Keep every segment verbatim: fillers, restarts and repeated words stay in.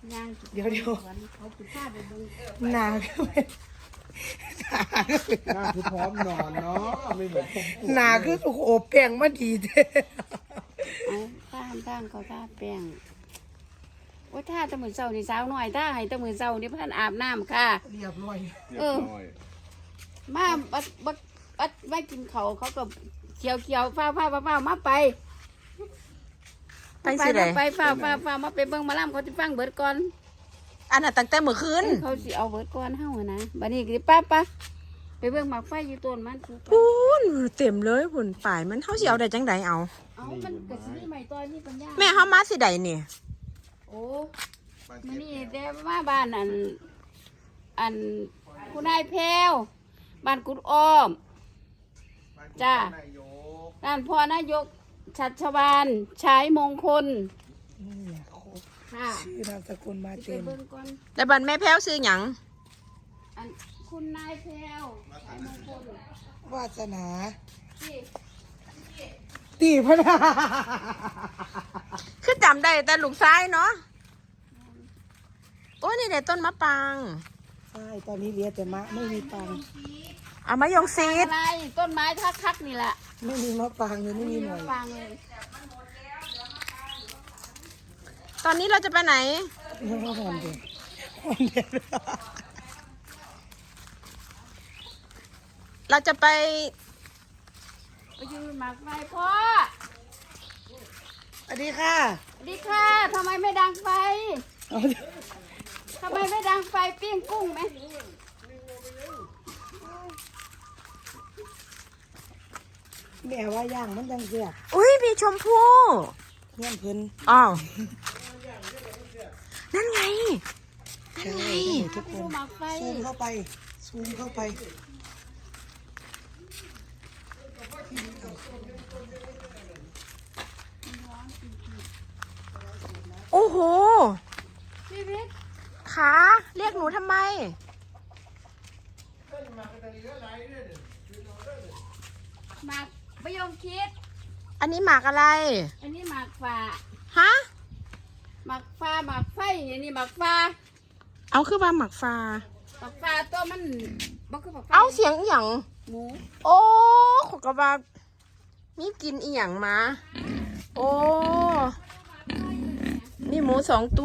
ย่างเดี๋ยวเดี๋ยวเขาปิดผ้าไปเบิ่งหนาก็เป็นหนาก็เป็นหน้าคือพร้อมนอนเนาะไม่เหมือนผมปวดหนาคือถูกโอบแป้งมาดีเด้เอาท่าท่างเขาท่าแป้งโอ้ยท่าแตะมือเศร้านี่สาวหน่อยท่าให้แตะมือเศร้านี่เพิ่นอาบน้ำค่ะเรียบร้อยเรียบร้อยมาบัดบัดบัดไม่กินเขาวเขาก็เขียวเขียวฟ้าฟ้าฟ้าฟ้ามาไปไปสิได้มาไปฟ้าฟ้าฟ้ามาไปเบิ่งหมาล่ำเขาจะฟังเบิดก่อนอันน่ะตั้งแต่เมื่อคืนเขาสิเอาเบิดก่อนเฮาอะนะบัดนี้ก็ป้าป้าไปเบิ่งหมากไฟอยู่ต้นมันถูกพูนเต็มเลยพุ่นป่ายมันเฮาสิเอาได้จังไดเอาเอามันก็สิมีใหม่ตอนนี้ปัญญาแม่เฮามาสิได้นี่โอ้มื้อนี้ได้มาบ้านอันอันคุณนายแพรวบ้านกุดอ้อม จ้า ด้านพ่อนายกชัชวานชายมงคลนี่ครบค่ะชื่อนามสกุลมาไปเต็มเบิ่งก่อนแต่บัดแม่แพ้วซื้อหยังอันคุณนายแพรวชายมงคลวาสนาที่ตีพนาคือจำได้แต่ลูกซ้ายเนาะโอ้ยนี่ได้ต้นมะปรางใช่ตอนนี้เหลียแต่มะไม่มีปังเอามายงซีดอะไรต้นไม้ทักทักๆนี่แหละไม่มีมะปรางเลยไม่มีหน่อยฟังเลยตอนนี้เราจะไปไหนไม่ว่าหอนเด็ดหอนเด็ดเราจะไปไปยืนหมากไฟพ่อสวัสดีค่ะสวัสดีค่ะทำไมไม่ดังไฟเอาทำไมไม่ดังไฟปิ้งกุ้งไหมแม่ว่าย่างมันจังเสียบอุ้ยมีชมพู่เงี้ยเพิ่นอ้าวนั่นไงใช่ทุกคดูนหมากไฟซูมเข้าไปซูมเข้าไปโอ้โหชีวิตขาเรียกหนูทำไมหมากประยงคิดอันนี้หมากอะไรอันนี้หมากฟ้าฮะหมากฟ้าหมากไฟอันนี้หมากฟ้าเอาคือว่าหมักฟ้าหมากฟ้าตัวมันบ่คือหมากไฟเอาเสียงอหย่างหมูโอ้ขอกระบามีกินอีหยังมา โอ้ มีหมูสองตัว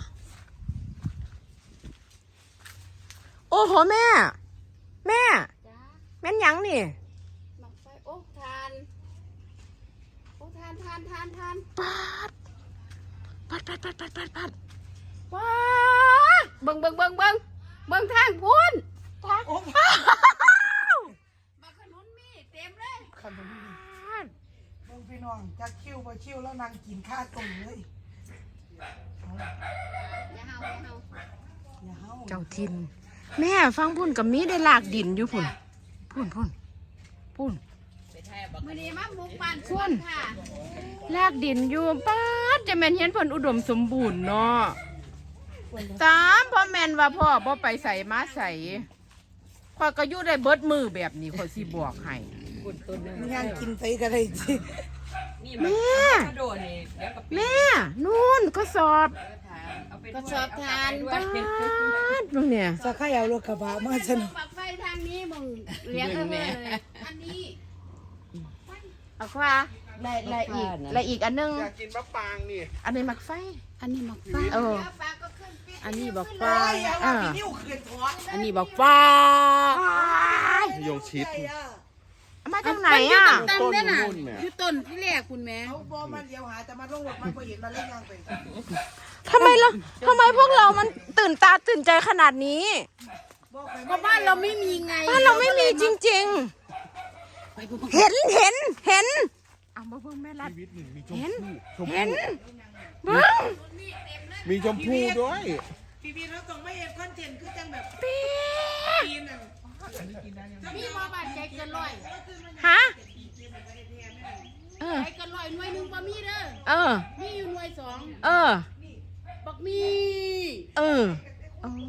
โอ้โหแม่ แม่จ้าแม่นหยังนี่หมากไฟโอ้ทานโอ้ทานทานทานทานปัดปัดปัดปัดปัดปัดปัดว้าเบิ่งเบิ่งเบิ่งเบิ่งเบิ่งทางพูนโอ้มาขนุนมีเต็มเลยขนมนี่เบิ่งพี่น้องจักคิ้วบ่คิ้วแล้วนางกินข้าวต้มเลยเอาอย่าเฮาอย่าเฮาอย่าเฮาเจ้าทิน แม่ฟังพุ่นกับมีได้ลากดินอยู่พุ่นพุ่นพุ่นพุ่นมื้อนี้มาบุกบ้านชวนค่ะลากดินอยู่ป้าดจะแม่นเห็นเพิ่นอุดมสมบูรณ์เนาะตามพ่อแม่นว่าพ่อบ่ไปใส่มาใส่ข้อยก็อยู่ได้เบิดมือแบบนี้ข้อยสิบอกให้ย่างกินไปก็ได้สิแม่แม่นู่นก็สอบก็สอบทานป้าดตรงเนี่ยสักใครเอารถกระบะมาสนุกปักไฟทางนี้มึงเลี้ยงเออเลยอันนี้เอาคว้าและและอีกและอีกอันนึงอยากกินมะปรางนี่อันนี้มักไฟอันนี้หมักไฟเออฟ้าก็ขึ้นปิดอันนี้บอกไปฟ้าเอาอ่าพี่นิ้วขึ้นถอดอันนี้บอกฟ้าโยงชิดมาจากไหนอ่ะตั้งได้น่ะต้นนู่นแหม่อยู่ต้นที่แรกคุณแม่เขาบอมันเดียวหาแต่มาลงรถมันก็เห็นมันเล่นย่างไปทำไมเราทำไมพวกเรามันตื่นตาตื่นใจขนาดนี้บอกไปก็บ้านเราไม่มีไงบ้านเราไม่มีจริงๆ เห็นเห็นเห็นเอามาเพิ่งแม่รัดชีวิตหนึ่งมีชมเห็นพู่ชมเห็นพู่เบิ้งมีชมพู่ด้วยพี่พี่เราต้องไม่เห็นคอนเทนต์คือจังแบบปี๊ดปีนอ่ะมีบ่บ้านใจเกินร้อยฮะเออใจเกินร้อยหน่วยหนึงบ่มีเด้อเออมีอยู่หน่วยสองเออบักมีเอออ๋อ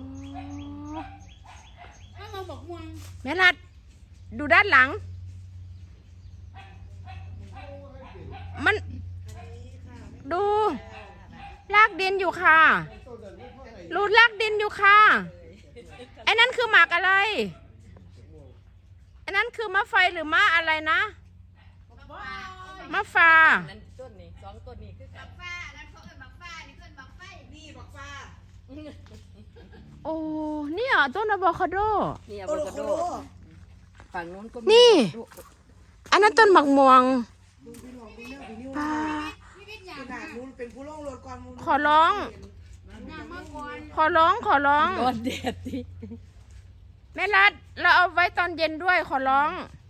ถ้าเราบอกม่วงแม่รัด ดูด้านหลัง มัน ดู ลากดินอยู่ค่ะเรูดลากดินอยู่ค่ะไอ้นั่นคือหมากอะไรไอ้นั่นคือมะไฟหรือมะอะไรนะมะฟ้าต้นนี้สองต้นนี้คือกันฟ้านั้นเขาเอิ้นบักฟ้านี่เอิ้นบักไฟนี่บักฟ้าโอ้เนี่ยต้นอะโวคาโดนี่อะโอโวโลคาโคโดโลฝั่งนู้นก็มีนี่ อันนั้นต้นหมักม่วงดูพี่น้องดูเนี่ยพี่นิ้วป้าขนาดนู้นเป็นผู้ล่องรถก่อนมูลขอร้อง ขอร้องขอร้องโดนแดดดิแม่รัดเราเอาไว้ตอนเย็นด้วยขอร้องเ